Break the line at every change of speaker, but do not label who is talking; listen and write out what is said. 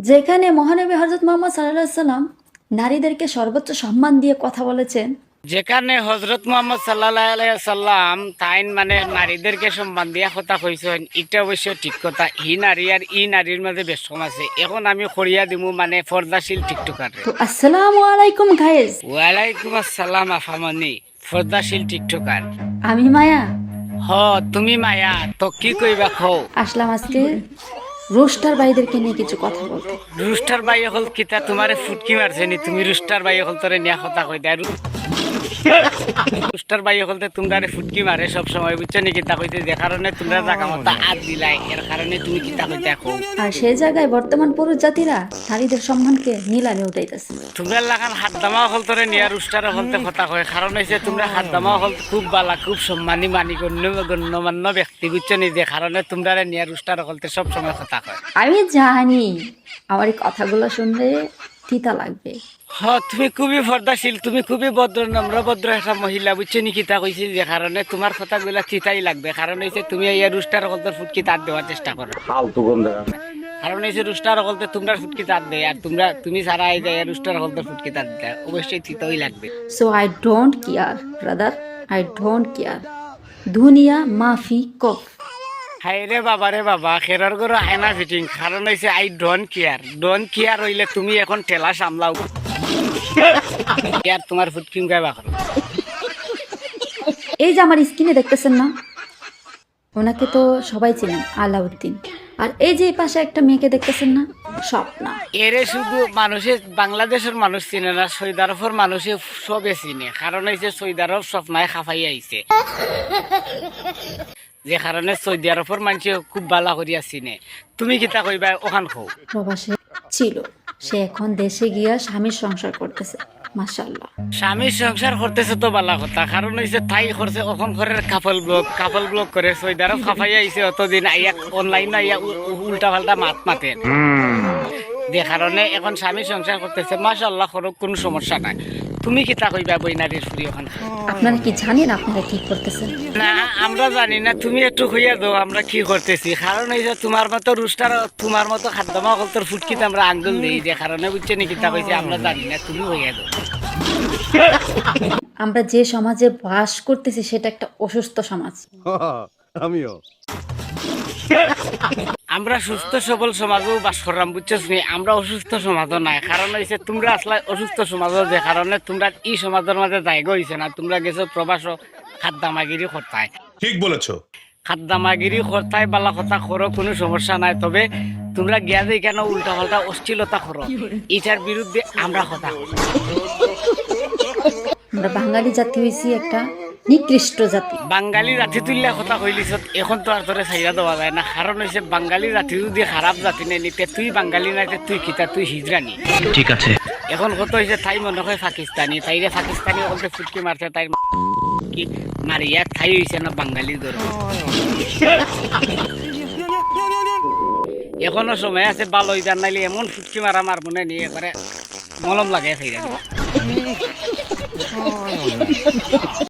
যেখানে মহানবী হযরত মুহাম্মদ সাল্লাল্লাহু আলাইহি সাল্লাম নারীদেরকে সর্বোচ্চ সম্মান দিয়ে কথা বলেছেন,
যেখানে হজরত মোহাম্মদ সাল্লাল্লাহু আলাইহি সাল্লাম তাইন মানে নারীদেরকে সম্মান দিয়া কথা কইছেন, এটা অবশ্য ঠিক কথা। ই নারী আর ই নারীর মাঝে বেশ কম আছে। এখন আমি খড়িয়া দিমু মানে পর্দাশীল টিকটকার।
তো আসসালামু আলাইকুম গাইস,
ওয়ালাইকুম আসসালাম আফামনি, পর্দাশীল টিকটকার।
আমি মায়া
হ তুমি মায়া, তো কি কইবা খো?
আসলাম আজকে রোস্টার ভাইদেরকে নিয়ে কিছু কথা বলতে।
রুস্টার বাই হল কিতা তোমারে ফুটকি মারছে নি? তুমি রুস্টার বাই হল তোরে নিয়া কথা কই দেয়। রুস্টার বাই হলতে তোমরা ফুটকি মারে সব সময়, বুঝছো নি? কিতা কইতে যে কারণে তোমরা জায়গা মতো আদ দিলাই, এর কারণে তুমি কিতা কইতে দেখো।
আর সেই জায়গায় বর্তমান পুরুষ জাতিরা নারীদের সম্মানকে নিলামে উঠাইতেছে।
তোমরা লাগান হাত দামা হল তোরে নিয়া রুস্টার হলতে কথা কয়, কারণ হইছে তোমরা হাত দামা হল খুব বালা, খুব সম্মানী মানি গণ্যমান্য ব্যক্তি, বুঝছো নি? যে কারণে তোমরা নিয়া রুস্টার হলতে সব সময় কথা কয়।
আমি জানি আমার এই কথাগুলো শুনলে তিতা লাগবে।
তুমি খুবই পর্দাশীল, তুমি খুবই ভদ্র, নম্র ভদ্র একটা মহিলা, বুঝছো নি? কিতা কইছি যে কারণে তোমার কথাগুলা চিতাই লাগবে। কারণ হইছে তুমি এই রুস্টার হলতে ফুটকি তার দেওয়ার চেষ্টা করো। কারণ হইছে রুস্টার হলতে তোমরা ফুটকি তার দেয়, আর তুমি সারা এই যে রুস্টার হলতে ফুটকি তার দেয়, অবশ্যই চিতাই লাগবে।
So I don't care brother, I don't care. দুনিয়া মাফি কফ।
হাই রে বাবা রে বাবা, খেরর গরো আয়না ফিটিং। কারণ হইছে I don't care. Don't care হইলে তুমি এখন ঠেলা সামলাও, আর তোমার ফুটকি গাইবা করো।
এই যে আমার স্ক্রিনে দেখতেছেন না, ওনাকে তো সবাই চেনেন, আলাউদ্দিন। আর এই যে এই পাশে একটা মেয়েকে দেখতেছেন না, স্বপ্না।
এরে শুধু মানুষের বাংলাদেশের মানুষ চিনে না, সৌদি আরবের মানুষে সবে চিনে। কারণ হইছে সৌদি আরব স্বপ্নায় খাফাই আইছে, যে কারণে সৌদি আরবের মানুষ খুব বালা করিয়া চিনে। তুমি কিতা কইবা ওখান খো?
প্রবাসে ছিল, সে এখন দেশে গিয়া স্বামীর সংসার করতেছে, মাশাআল্লাহ।
স্বামীর সংসার করতেছে তো বালা কথা। কারণ হইছে তাই করছে ওখান ঘরের কাপল ব্লগ করে সৌদি আরব খাফাই আইছে। অতদিন আইয়া অনলাইন আইয়া উল্টা পাল্টা মাতেন, যে কারণে এখন স্বামীর সংসার করতেছে। মাশাআল্লাহ, কোনো সমস্যা নাই। তুমি কিতা কইবা বই নারীর ফুরি ওখান?
আপনারা কি জানেন আপনারা কি করতেছেন?
না, আমরা জানি না। তুমি একটু কইয়া দাও আমরা কি করতেছি। কারণ হইছে তোমার মতো রুস্টার, তোমার মতো খাদ্যমা কলতর ফুটকিতে আমরা আঙ্গুল দিই, যে কারণে বুঝছে নি কিতা কইছে আমরা জানি না। তুমি কইয়া দাও।
আমরা যে সমাজে বাস করতেছি সেটা একটা অসুস্থ সমাজ।
আমিও।
আমরা সুস্থ সবল সমাজও বাস করলাম, বুঝছো নি? আমরা অসুস্থ সমাজও নাই। কারণ হইছে তোমরা আসলে অসুস্থ সমাজও, যে কারণে তোমরা এই সমাজের মাঝে জায়গা হইছে না। তোমরা গেছো প্রবাস খাদ্দামাগিরি করতায়।
ঠিক বলেছো।
খাদ্দামাগিরি করতায় বালা কথা করো, কোনো সমস্যা নাই। তবে তোমরা গিয়া যে কেন উল্টা পাল্টা অশ্লীলতা করো, এটার বিরুদ্ধে আমরা কথা করি।
আমরা বাঙালি জাতি হয়েছি একটা নিকৃষ্ট জাতি।
বাঙালি জাতি তুললে কথা কইলিস, এখন তো আর তোরে ছাইরা দেওয়া যায় না। কারণ হইছে বাঙালি জাতি যদি খারাপ জাতি নেই নিতে, তুই বাঙালি নাইতে তুই কিতা, তুই হিজরানি।
ঠিক আছে।
এখন কত হয়েছে তাই মনে হয় পাকিস্তানি, তাইরে পাকিস্তানি বলতে ফুটকি মারছে, তাই কি মারিয়া ঠাই হয়েছে না বাঙালির ধরে। এখনো সময় আছে, ভালো ইদার নাইলে এমন ফুটকি মারা মার মনে নিয়ে করে মলম লাগে।